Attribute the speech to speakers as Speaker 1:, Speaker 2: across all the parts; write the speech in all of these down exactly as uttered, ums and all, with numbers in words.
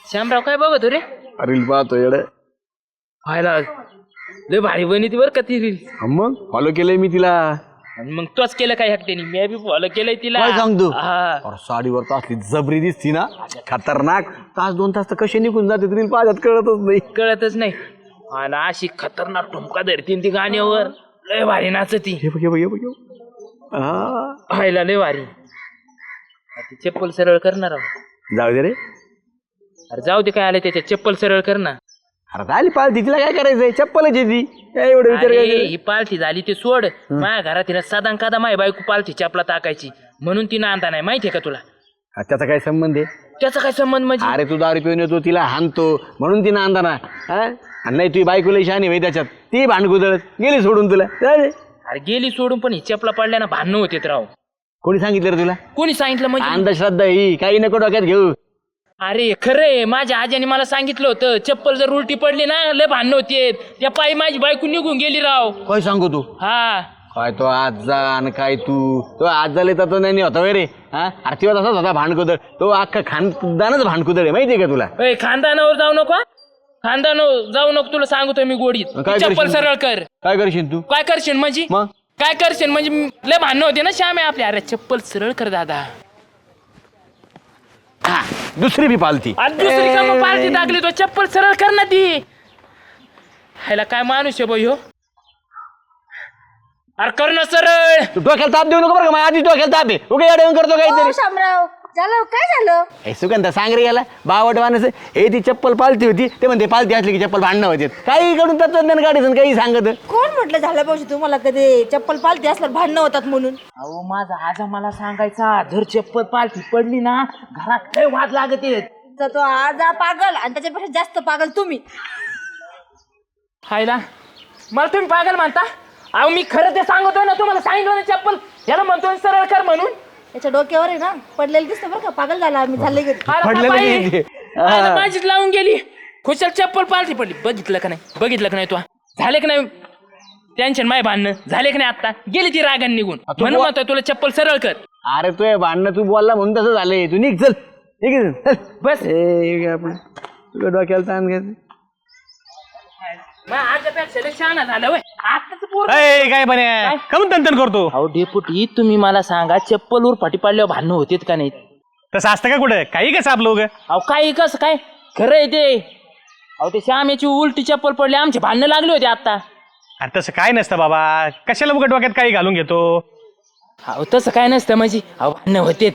Speaker 1: श्यामराव काय बघतो रे?
Speaker 2: रील पाहतो येड.
Speaker 1: व्हायला लय भारी बनी ती बरं का ती रील.
Speaker 2: मग फॉलो केलंय मी तिला.
Speaker 1: आणि मग तोच केलं काय हक्केनी? मी बी फॉलो केलंय तिला.
Speaker 2: काय सांगतो?
Speaker 1: हा.
Speaker 2: अरे साडीवर तर असली जबरी दिसती ना, खतरनाक. तास दोन तास तर कसे निघून जाते रील पाहतात कळतच नाही.
Speaker 1: कळतच नाही. आणि अशी खतरनाक ठुमका धरतीन ती गाण्यावर. लय भारी नाचती.
Speaker 2: हे बघ हे बघ हे बघ हे बघ. हा.
Speaker 1: व्हायला लय भारी. ती चप्पल सरळ करणार आहो.
Speaker 2: जाऊ दे रे.
Speaker 1: अरे जाऊ दे काय आलं त्याच्या, चप्पल सरळ कर ना.
Speaker 2: अरे झाली पालती, तिला काय करायचंय? चप्पलच आहे ती. काय एवढं विचार
Speaker 1: अरे,
Speaker 2: काय?
Speaker 1: ही पालथी झाली ते सोड. माझ्या घरात तिनं साधा कादा माय बायको पालथी चपला टाकायची म्हणून तिनं आणता नाही. माहितीये का तुला?
Speaker 2: त्याचा काय संबंध आहे?
Speaker 1: त्याचा काय संबंध म्हणजे?
Speaker 2: अरे तू दारू पिऊन येतो, तिला हाणतो म्हणून तिनं आणता ना. आणि नाही तुझी बायकोला शहाणी भाई त्याच्यात, ती भांडकुदळत गेली सोडून तुला.
Speaker 1: अरे गेली सोडून, पण ही चपला पडल्या ना भांडणं होते राव.
Speaker 2: कोणी सांगितलं रे तुला?
Speaker 1: कोणी सांगितलं म्हणजे?
Speaker 2: अंधश्रद्धा ही, काही नको डोक्यात घेऊ.
Speaker 1: अरे खरंय, माझ्या आजीने मला सांगितलं होतं चप्पल जर उलटी पडली ना लय भांडणं होते. त्या पायी माझी बायको निघून गेली राव.
Speaker 2: काय सांगू तू?
Speaker 1: हा
Speaker 2: काय तो आज जा आणि काय तू तो आज झाले तर तो नाही होता वे रे. हा अरे तेव्हा तसाच होता भांडकुदळ. तो अख्खा खानदानच भांडकुदळ आहे, माहितीये का तुला?
Speaker 1: ए, खानदानावर जाऊ नको. खानदानावर जाऊ नको, तुला सांगतोय मी गोडीत.
Speaker 2: काय
Speaker 1: चप्पल
Speaker 2: करशील?
Speaker 1: सरळ कर.
Speaker 2: काय करशील तू?
Speaker 1: काय करशील म्हणजे?
Speaker 2: मग
Speaker 1: काय करशील म्हणजे? लय भांडणं होते ना श्याम आहे आपल्या. अरे चप्पल सरळ कर दादा.
Speaker 2: हा दुसरी बी पालती.
Speaker 1: आज दुसरी का मग पार्टी टाकली तो? चप्पल सरळ कर ना ती. ह्याला काय माणूस आहे बाई हो? अरे कर ना सरळ.
Speaker 2: तू डोक्याला ताप देऊ नको बरं का. माझ्या आधी डोक्याला ताप आहे. उगा येऊन करतो काहीतरी.
Speaker 3: शामराव झालं काय झालं?
Speaker 2: हे सुगंधा सांग रे याला. बावट वानस हे ती चप्पल पालती होती, ते म्हणते पालती असली की चप्पल भांडणं होते. काही कडून तत्वज्ञान काढायचं काही सांगत.
Speaker 3: कोण म्हटलं झालं पाहिजे तुम्हाला कधी चप्पल पालती असल्यावर भांडणं होतात म्हणून?
Speaker 1: अहो माझा आजा मला सांगायचा, धर चप्पल पालथी पडली ना घरात काय वाद लागत येत.
Speaker 3: तर तो आजा पागल आणि त्याच्यापेक्षा जास्त पागल तुम्ही.
Speaker 1: हायला मला तुम्ही पागल म्हणता? अहो मी खरं ते सांगतोय ना तुम्हाला. सांगितलं ना चप्पल याला म्हणतोय सरळ कर म्हणून.
Speaker 3: त्याच्या डोक्यावर आहे ना पडलेलं दिसतं बरं का. पागल झाला मी झाले घरी.
Speaker 1: अरे
Speaker 2: पडलेलं
Speaker 1: बाई,
Speaker 2: किती?
Speaker 1: अरे माझीच लावून गेली. खुशाल चप्पल पालथी पडली. बघितलं का नाही? बघितलं का नाही? तू झाले का नाही टेन्शन? माय भांडणं झाले का नाही? आता गेली ती रागान निघून. म्हणून म्हणतोय तुला चप्पल सरळ कर.
Speaker 2: अरे तू भांडणं तू बोलला म्हणून तसं झालंय. तू निघ चल. ठीक आहे
Speaker 1: बस
Speaker 2: आपण तुझ्या डोक्याला ताण घ्यायचं.
Speaker 1: आजपेक्षा लय शहाणा झालं होय. आताच पोर.
Speaker 4: ए, काय पण कमून तंतन करतो?
Speaker 1: अहो डेपुटी तुम्ही मला सांगा, चप्पल वर फाटी पाडल्यावर भांडणं होतेत का नाही?
Speaker 4: तसं असतं का कुठं? काही कसं आपलं उगं?
Speaker 1: अहो काय कसं काय खरं आहे ते? अहो ते श्यामेची उलटी चप्पल पडली, आमचे भांडणं लागले होते आता.
Speaker 4: अरे तसं काय नसतं बाबा. कशाला उगं डोक्यात काही घालून घेतो?
Speaker 1: अहो तसं काय नसतं म्हणजे. अहो भांडणं होतेत.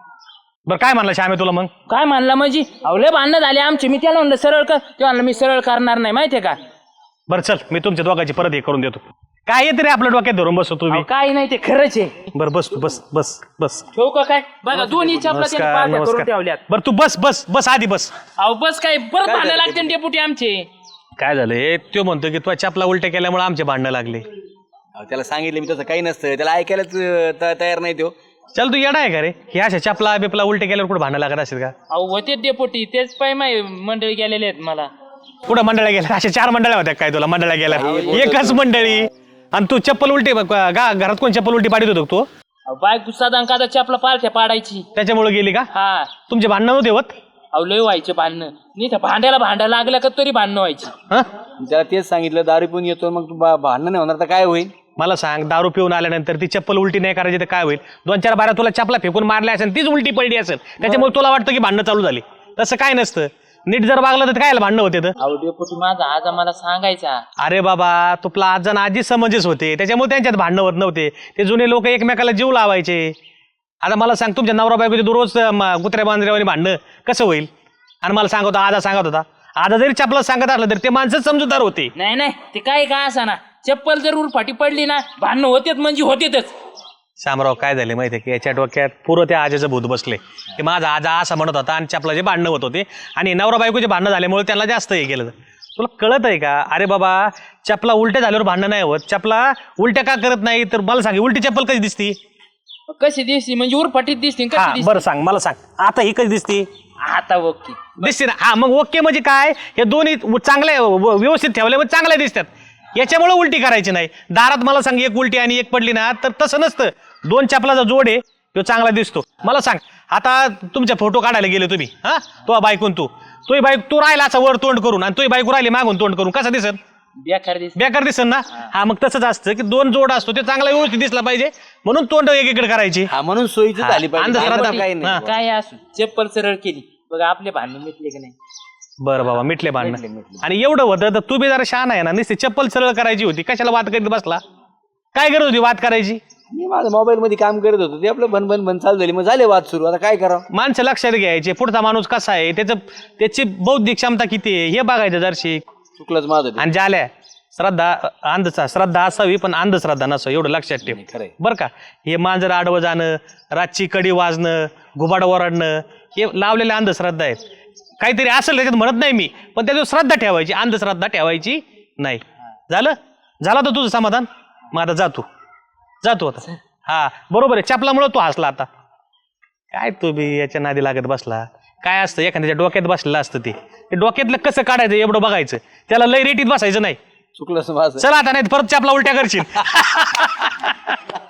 Speaker 4: बरं काय म्हणलं श्यामे तुला मग?
Speaker 1: काय म्हणला म्हणजे? अहो लय भांडणं झाले आमचे. मी त्याला म्हणलं सरळ कर, ते म्हणलं मी सरळ करणार नाही. माहितीये का?
Speaker 4: बरं चल, मी तुमच्या दोघांची परत हे करून देतो. काय येते रे आपल्या डोक्यात धरून बसतो तुम्ही?
Speaker 1: अहो, काही नाही ते खरंच आहे.
Speaker 4: बरं बस तू बस बस बस.
Speaker 1: ठेवू का काय? बघा दोन्ही चपला त्यांनी पार्ट्या करून ठेवल्यात.
Speaker 4: बरं तू बस बस बस आधी बस.
Speaker 1: अहो बस काय परत भांडणं लागते ना डेपुटी आमचे.
Speaker 4: काय झालंय? तो म्हणतो की तुझ्या चपला उलट्या केल्यामुळे आमचे भांडणं लागले.
Speaker 2: त्याला सांगितलं मी तसं काही नसतं. त्याला ऐकायलाच त- तयार नाही तो.
Speaker 4: चल तू येडा आहे का रे? हे अशा चपला बिपला उलटे केल्यावर कुठं भांडणं लागत असेल का?
Speaker 1: अहो होते डेपुटी, तेच पाय माय मंडळी गेलेले आहेत मला.
Speaker 4: कुठं मंडळ्या गेल्या? अशा चार मंडळ्या होत्या काय तुला? मंडळ्या गेल्या एकच मंडळी. आणि तू चप्पल उलटी गा घरात कोण चप्पल उलटी पाडीत होतो तू?
Speaker 1: अहो बायको साधा कादा चपला पालथ्या पाडायची.
Speaker 4: त्याच्यामुळे गेली का?
Speaker 1: हा.
Speaker 4: तुमचे भांडणं नव्हते होत?
Speaker 1: अहो लय व्हायचे भांडणं. नाही तर भांड्याला भांडा लागलं का तरी भांडणं व्हायची.
Speaker 4: हं?
Speaker 2: त्याला तेच सांगितलं दारू पिऊन येतो मग तू बा- भांडणं नाही होणार तर काय होईल?
Speaker 4: मला सांग, दारू पिऊन आल्यानंतर ती चप्पल उलटी नाही करायची तर काय होईल? दोन चार बारा तुला चपला फेकून मारल्या असेल, तीच उलटी पडली असेल, त्याच्यामुळे तुला वाटतं की भांडणं चालू झाली. तसं काय नसतं. नीट जर वागलं तर काय भांडणं होते तर?
Speaker 1: अहो डेपुटी माझा आजा मला सांगायचा.
Speaker 4: अरे बाबा, तुला आज जण आजी समजेच होते, त्याच्यामुळे त्यांच्यात भांडणं होत नव्हते. ते जुने लोक एकमेकाला जीव लावायचे. आता मला सांग, तुमच्या नवरा बायकोचे दररोज कुत्र्या बांधऱ्यावर भांडणं कसं होईल? आणि मला सांगत होता, आजा सांगत होता, आजा जरी चपला सांगत असलं तरी ते माणसंच समजूतदार होते.
Speaker 1: नाही नाही ते काय का असा ना, चप्पल जर उलफाटी पडली ना भांडणं होतेच म्हणजे होतेच.
Speaker 4: शामराव काय झाले माहितीये की याच्या डोक्यात पुरं त्या आजेचं भूत बसले. की माझा आजा असं म्हणत होता आणि चपलाचे भांडणं होत होते आणि नवरा बायकोचे भांडणं झाल्यामुळे त्यांना जास्त हे केलं. तुला कळत आहे का? अरे बाबा, चपला उलट्या झाल्यावर भांडणं नाही होत. चपला उलट्या का करत नाही तर मला सांग, उलटी चप्पल कशी दिसती?
Speaker 1: कशी दिसती म्हणजे उरफाटीत दिसते
Speaker 4: हा
Speaker 1: कशी
Speaker 4: बरं सांग, मला सांग आता ही कशी दिसती?
Speaker 1: आता ओके
Speaker 4: दिसते ना? हा मग ओके म्हणजे काय? हे दोन्ही चांगल्या व्यवस्थित ठेवले मग चांगल्या दिसतात. याच्यामुळे उलटी करायची नाही. दारात मला सांग एक उलटी आणि एक पडली ना तर तसं नसतं. दोन चपलाचा जोड आहे तो चांगला दिसतो. मला सांग, आता तुमचे फोटो काढायला गेले तुम्ही हा तो बायकून तू तुही बाईक तू राहिला असा वर तोंड करून आणि तुही बायको राहिली मागून तोंड करून कसं दिसत
Speaker 1: बेकार दिस
Speaker 4: बेकार दिसन ना हा मग तसंच असतं की दोन जोड असतो ते चांगला व्यवस्थित दिसला पाहिजे म्हणून तोंड एकीकडे करायची
Speaker 2: हा म्हणून सोयीची झाली पाहिजे
Speaker 4: अंधश्रद्धा
Speaker 2: काही नाही
Speaker 4: हा.
Speaker 1: काय असू चप्पल सरळ केली बघा आपले भांडण मिटले की नाही
Speaker 4: बरं बाबा मिटले भांडणं आणि एवढं होतं तर तू बी जरा शहाणा आहे ना नुसती चप्पल सरळ करायची होती कशाला वाद करीत बसला काय गरज होती वाद करायची
Speaker 2: मी माझं मोबाईल मध्ये काम करत होतो ते आपलं बन बन बन चालू झाली मग झाले वाद सुरू आता काय करावं
Speaker 4: माणसं लक्षात घ्यायचे पुढचा माणूस कसा आहे त्याचं त्याची बौद्धिक क्षमता किती आहे हे बघायचं जरशी
Speaker 2: चुकलंच माझं ते.
Speaker 4: आणि झाल्या श्रद्धा अंधचा श्रद्धा असावी पण अंधश्रद्धा नसावी एवढं लक्षात ठेव
Speaker 2: खरंय.
Speaker 4: बरं का हे मांजर आडवं जाणं रातची कडी वाजणं घुबाड ओरडणं हे लावलेल्या अंधश्रद्धा आहेत काहीतरी असेल त्याच्यात म्हणत नाही मी पण त्याच्यावर श्रद्धा ठेवायची अंधश्रद्धा ठेवायची नाही झालं झालं तर तुझं समाधान मग आता जातो जातो आता हा बरोबर आहे चपलामुळे तू हसला आता काय तू बी याच्या नादी लागत बसला काय असतं एखाद्याच्या डोक्यात बसलेलं असतं ते ते डोक्यातलं कसं काढायचं एवढं बघायचं त्याला लय रेटीत बसायचं नाही
Speaker 2: चुकलंच माझं
Speaker 4: चला आता नाही परत चपला उलट्या करशील